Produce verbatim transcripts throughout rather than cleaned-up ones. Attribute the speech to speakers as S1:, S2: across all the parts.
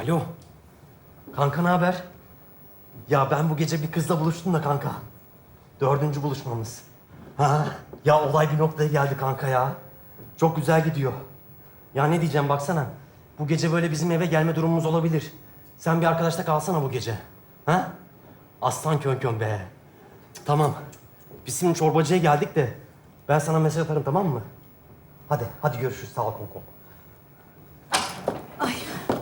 S1: Alo. Kanka ne haber? Ya ben bu gece bir kızla buluştum da kanka. Dördüncü buluşmamız. Ha? Ya olay bir noktaya geldi kanka ya. Çok güzel gidiyor. Ya ne diyeceğim baksana. Bu gece böyle bizim eve gelme durumumuz olabilir. Sen bir arkadaşta kalsana bu gece. Ha? Aslan kön be. Tamam. Biz şimdi çorbacıya geldik de ben sana mesaj atarım, tamam mı? Hadi, hadi görüşürüz. Sağ ol Konkom.
S2: Ay.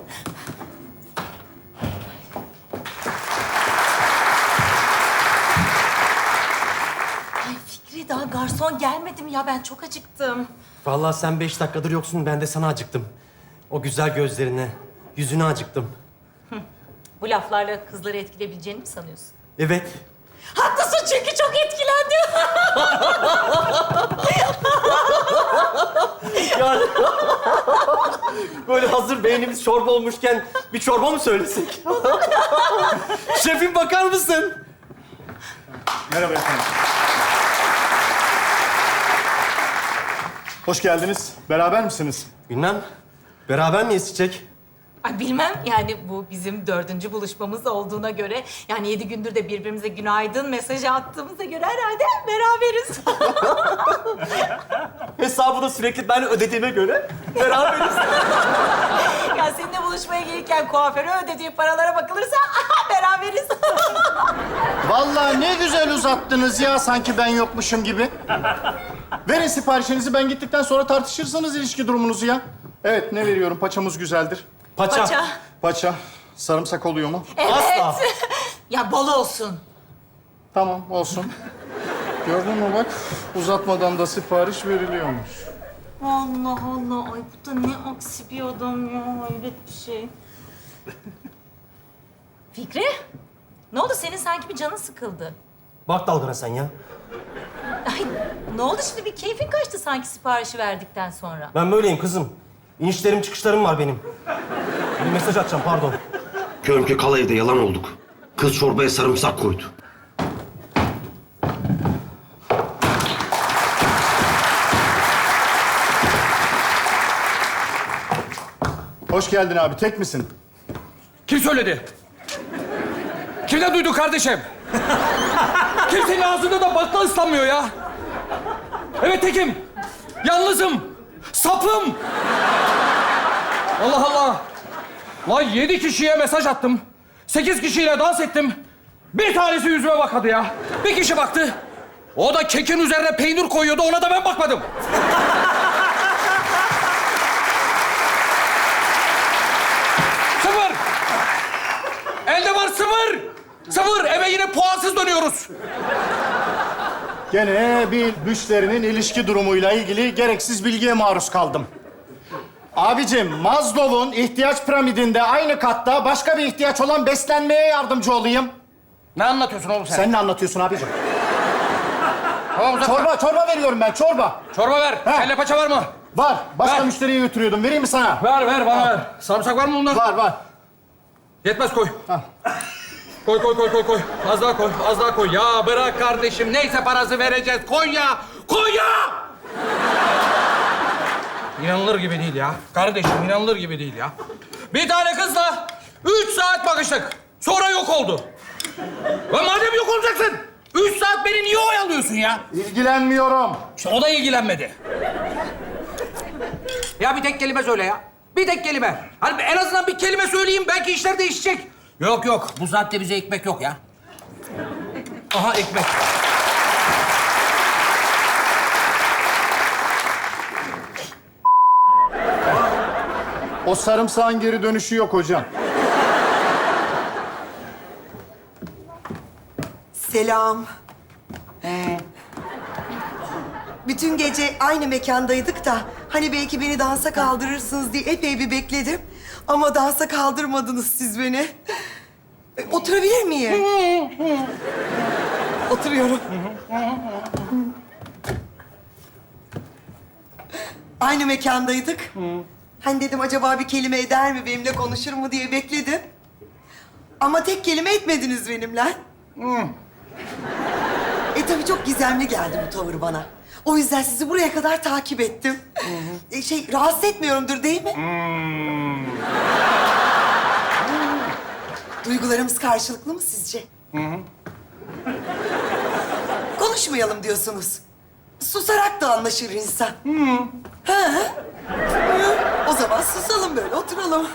S2: Ay Fikri, daha garson gelmedi mi ya? Ben çok acıktım.
S1: Vallahi sen beş dakikadır yoksun, ben de sana acıktım. O güzel gözlerine, yüzüne acıktım.
S2: Bu laflarla kızları etkileyebileceğini mi sanıyorsun?
S1: Evet.
S2: Haklısın, çünkü çok etkilendim.
S1: Yani böyle hazır beynimiz çorba olmuşken bir çorba mı söylesek? Şefim bakar mısın?
S3: Merhaba efendim. Hoş geldiniz. Beraber misiniz?
S1: Bilmem. Beraber miyiz Çiçek?
S2: Ay bilmem, yani bu bizim dördüncü buluşmamız olduğuna göre... ...yani yedi gündür de birbirimize günaydın mesajı attığımıza göre herhalde beraberiz.
S1: Hesabı da sürekli ben ödediğime göre beraberiz.
S2: Ya seninle buluşmaya gelirken kuaföre ödediği paralara bakılırsa aha, beraberiz.
S3: Vallahi ne güzel uzattınız ya, sanki ben yokmuşum gibi. Verin siparişinizi, ben gittikten sonra tartışırsınız ilişki durumunuzu ya. Evet, ne veriyorum? Paçamız güzeldir.
S1: Paça.
S2: Paça.
S3: Paça. Sarımsak oluyor mu?
S2: Evet.
S1: Asla.
S2: Ya bol olsun.
S3: Tamam, olsun. Gördün mü bak, uzatmadan da sipariş veriliyormuş.
S2: Allah Allah. Ay bu da ne aksi bir adam ya. Hayret bir şey. Fikri, ne oldu? Senin sanki bir canın sıkıldı.
S1: Bak dalgana sen ya.
S2: Ay ne oldu şimdi? Bir keyfin kaçtı sanki siparişi verdikten sonra.
S1: Ben böyleyim kızım. İnişlerim çıkışlarım var benim. Bir mesaj atacağım, pardon.
S4: Körümke kal evde yalan olduk. Kız çorbaya sarımsak koydu.
S3: Hoş geldin abi, tek misin?
S5: Kim söyledi? Kimden duydu kardeşim? Kimsenin ağzında da bakla ıslanmıyor ya. Evet tekim. Yalnızım. Sapım. Allah Allah. Lan yedi kişiye mesaj attım. Sekiz kişiyle dans ettim. Bir tanesi yüzüme bakmadı ya. Bir kişi baktı. O da kekin üzerine peynir koyuyordu. Ona da ben bakmadım. Sıfır. Elde var sıfır. Sıfır. Eve yine puansız dönüyoruz.
S3: Gene bir müşterinin ilişki durumuyla ilgili gereksiz bilgiye maruz kaldım. Abicim, Maslow'un ihtiyaç piramidinde aynı katta başka bir ihtiyaç olan beslenmeye yardımcı olayım.
S5: Ne anlatıyorsun oğlum sen?
S3: Sen ne anlatıyorsun abicim?
S5: Tamam uzatma.
S3: Çorba, çorba veriyorum ben, çorba.
S5: Çorba ver.
S3: He.
S5: Kelle paça var mı?
S3: Var, başka
S5: Ver.
S3: müşteriye götürüyordum. Vereyim mi sana?
S5: Ver ver bana ver. Sarımsak var mı bunda?
S3: Var, var.
S5: Yetmez koy. Koy koy koy koy koy. Az daha koy. Az daha koy. Ya bırak kardeşim. Neyse parası vereceğiz. Koy ya. Koy ya. İnanılır gibi değil ya. Kardeşim inanılır gibi değil ya. Bir tane kızla üç saat bakıştık. Sonra yok oldu. Lan madem yok olacaksın, üç saat beni niye oyalıyorsun ya?
S3: İlgilenmiyorum.
S5: İşte o da ilgilenmedi. Ya bir tek kelime söyle ya. Bir tek kelime. Hani en azından bir kelime söyleyeyim, belki işler değişecek. Yok yok, bu saatte bize ekmek yok ya. Aha ekmek.
S3: O sarımsağın geri dönüşü yok hocam.
S6: Selam. Bütün gece aynı mekandaydık da hani belki beni dansa kaldırırsınız diye epey bir bekledim. Ama dansa kaldırmadınız siz beni. E, Oturabilir miyim? Oturuyorum. Aynı mekandaydık. Hani dedim acaba bir kelime eder mi, benimle konuşur mu diye bekledim. Ama tek kelime etmediniz benimle. E tabii çok gizemli geldi bu tavır bana. O yüzden sizi buraya kadar takip ettim. E, şey, rahatsız etmiyorumdur değil mi? Duygularımız karşılıklı mı sizce? Hı hı. Konuşmayalım diyorsunuz. Susarak da anlaşır insan. Hı. Ha? Hı. O zaman susalım böyle, oturalım.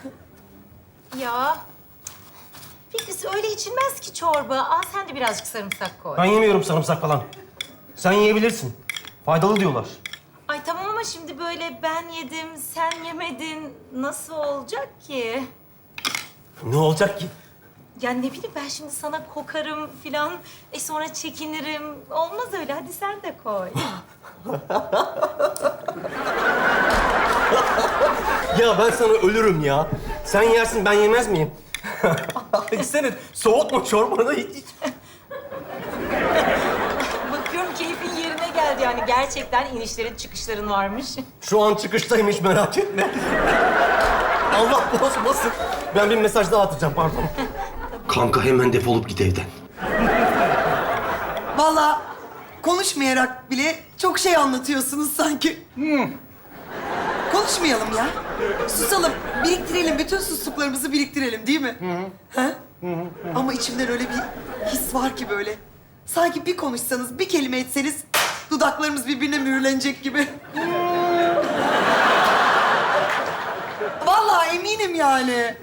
S2: Ya Fikrisi öyle içilmez ki çorba. Al sen de birazcık sarımsak koy.
S1: Ben yemiyorum sarımsak falan. Sen yiyebilirsin. Faydalı diyorlar.
S2: Ay tamam ama şimdi böyle ben yedim, sen yemedin. Nasıl olacak ki?
S1: Ne olacak ki?
S2: Ya ne bileyim ben şimdi sana kokarım filan. E sonra çekinirim. Olmaz öyle. Hadi sen de koy.
S1: Ya ben sana ölürüm ya. Sen yersin, ben yemez miyim? İçsene, soğutma çorbanı iç. iç.
S2: Bakıyorum keyfin yerine geldi yani. Gerçekten inişlerin çıkışların varmış.
S1: Şu an çıkıştaymış, merak etme. Allah bozmasın. Ben bir mesaj daha atacağım, pardon.
S4: Kanka hemen defolup git evden.
S6: Vallahi konuşmayarak bile çok şey anlatıyorsunuz sanki. Konuşmayalım ya. Susalım, biriktirelim. Bütün susluklarımızı biriktirelim değil mi? Ha? Ama içimden öyle bir his var ki böyle. Sanki bir konuşsanız, bir kelime etseniz dudaklarımız birbirine mühürlenecek gibi. Vallahi eminim yani.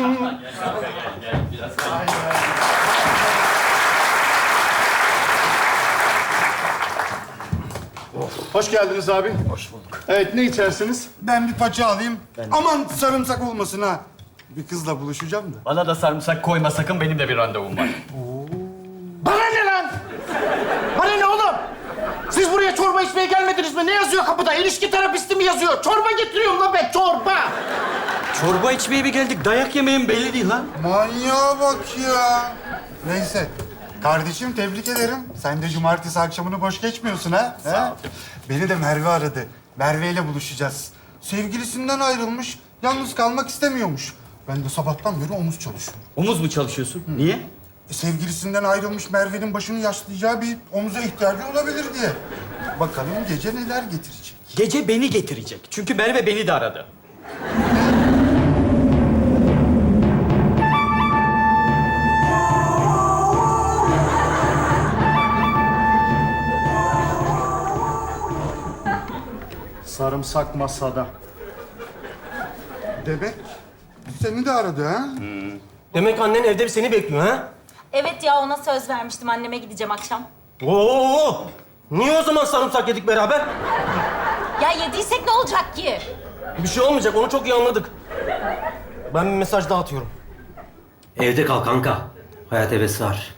S3: Hoş geldiniz abi. Hoş bulduk. Evet, ne içersiniz?
S7: Ben bir paça alayım. Aman sarımsak olmasın ha. Bir kızla buluşacağım da.
S8: Bana da sarımsak koyma sakın, benim de bir randevum var.
S3: Bana ne lan? Bana ne oğlum? Siz buraya çorba içmeye gelmediniz mi? Ne yazıyor kapıda? İlişki terapisti mi yazıyor? Çorba getiriyorum lan ben, çorba.
S8: Çorba içmeye mi geldik? Dayak yemeğim belli değil lan.
S7: Manyağa bak ya. Neyse. Kardeşim tebrik ederim. Sen de cumartesi akşamını boş geçmiyorsun ha. Sağ ol. Beni de Merve aradı. Merve ile buluşacağız. Sevgilisinden ayrılmış, yalnız kalmak istemiyormuş. Ben de sabahtan beri omuz çalışıyorum.
S8: Omuz mu çalışıyorsun? Niye?
S7: E, sevgilisinden ayrılmış Merve'nin başını yaslayacağı bir omuza ihtiyacı olabilir diye. Bakalım gece neler getirecek.
S8: Gece beni getirecek. Çünkü Merve beni de aradı.
S3: Sarımsak masada.
S7: Demek seni de aradı ha?
S1: Demek annen evde seni bekliyor, ha?
S2: Evet ya ona söz vermiştim. Anneme gideceğim akşam.
S1: Oo! Niye o zaman sarımsak yedik beraber?
S2: Ya yediysek ne olacak ki?
S1: Bir şey olmayacak, onu çok iyi anladık. Ben bir mesaj daha atıyorum.
S4: Evde kal kanka. Hayat hevesi var.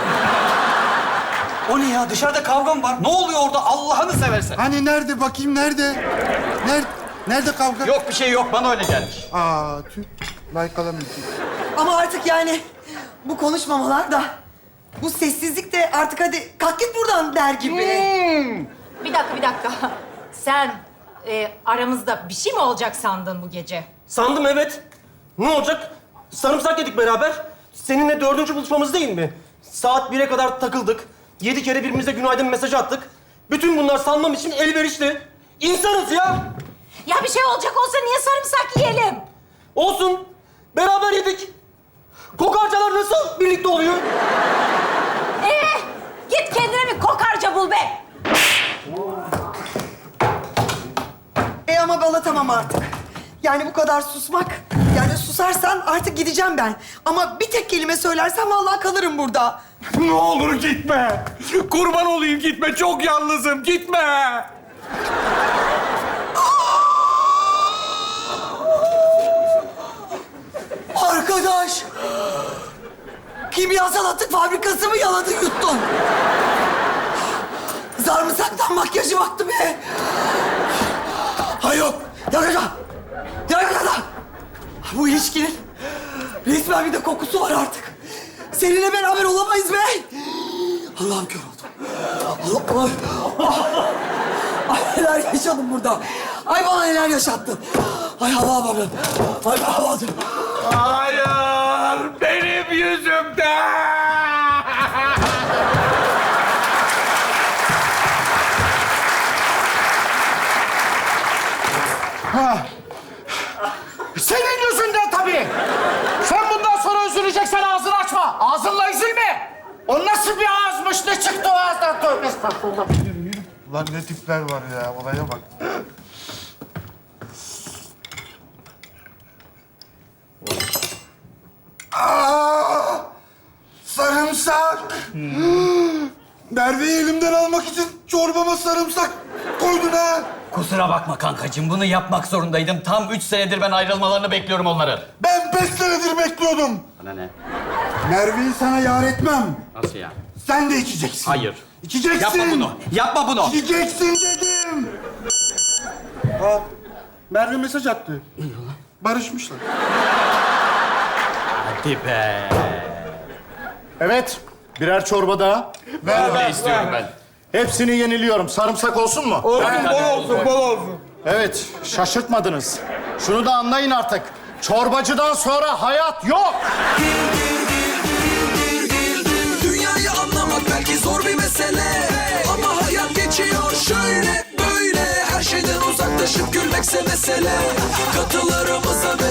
S8: O ne ya? Dışarıda kavga mı var? Ne oluyor orada? Allah'ını seversen.
S7: Hani nerede bakayım nerede? Nerede? Nerede kavga?
S8: Yok bir şey yok. Bana öyle gelmiş.
S7: Aa tüh. Like alamıyorum.
S6: Ama artık yani bu konuşmamalar da, bu sessizlik de artık hadi kalk git buradan der gibi.
S2: Bir dakika, bir dakika. Sen e, aramızda bir şey mi olacak sandın bu gece?
S1: Sandım, evet. Ne olacak? Sarımsak yedik beraber. Seninle dördüncü buluşmamız değil mi? Saat bire kadar takıldık. Yedi kere birbirimize günaydın mesajı attık. Bütün bunlar sanmam için elverişli. İnsanız ya.
S2: Ya bir şey olacak olsa niye sarımsak yiyelim?
S1: Olsun. Beraber yedik. Kokarcalar nasıl birlikte oluyor?
S2: Ee, git kendine bir kokarca bul be.
S6: E ama bana tamam artık. Yani bu kadar susmak. Yani susarsan artık gideceğim ben. Ama bir tek kelime söylersen vallahi kalırım burada.
S5: Ne olur gitme. Kurban olayım gitme. Çok yalnızım. Gitme.
S6: Arkadaş! Kimyasal atık fabrikası mı yaladın yuttun? Sarımsaktan makyajı baktı be! Hay yok! Yakala! Yakala! Bu ilişkinin resmen bir de kokusu var artık. Seninle beraber olamayız be! Allah'ım kör oldum. Allah Allah! Ay neler yaşadım burada. Ay bana neler yaşattın. Ay Allah'ım Allah'ım. Ay Allah'ım.
S5: Hayır. Benim yüzümden.
S3: Senin yüzünden tabii. Sen bundan sonra üzüleceksin. O nasıl bir ağızmış? Ne çıktı o ağızdan? Tövbe estağfurullah.
S7: Ulan ne tipler var ya, olaya bak. Aa, sarımsak! Merve'yi elimden almak için çorbama sarımsak koydun ha!
S8: Kusura bakma kankacığım, bunu yapmak zorundaydım. Tam üç senedir ben ayrılmalarını bekliyorum onların.
S7: Ben beş senedir bekliyordum.
S8: Bana ne?
S7: Merve'yi sana yar etmem.
S8: Nasıl yani?
S7: Sen de içeceksin.
S8: Hayır.
S7: İçeceksin.
S8: Yapma bunu. Yapma bunu.
S7: İçeceksin dedim. Aa, Merve mesaj attı. Barışmışlar.
S8: Hadi be.
S3: Evet, birer çorba daha.
S7: Ver,
S8: Ne istiyorum ben?
S3: Hepsini yeniliyorum. Sarımsak olsun mu?
S7: Olsun, bol olsun, bol olsun.
S3: Evet, şaşırtmadınız. Şunu da anlayın artık. Çorbacıdan sonra hayat yok.
S9: Dünyayı anlamak belki zor bir mesele, ama hayat geçiyor şöyle böyle. Her şeyden uzaklaşıp gülmekse mesele. Katılarımıza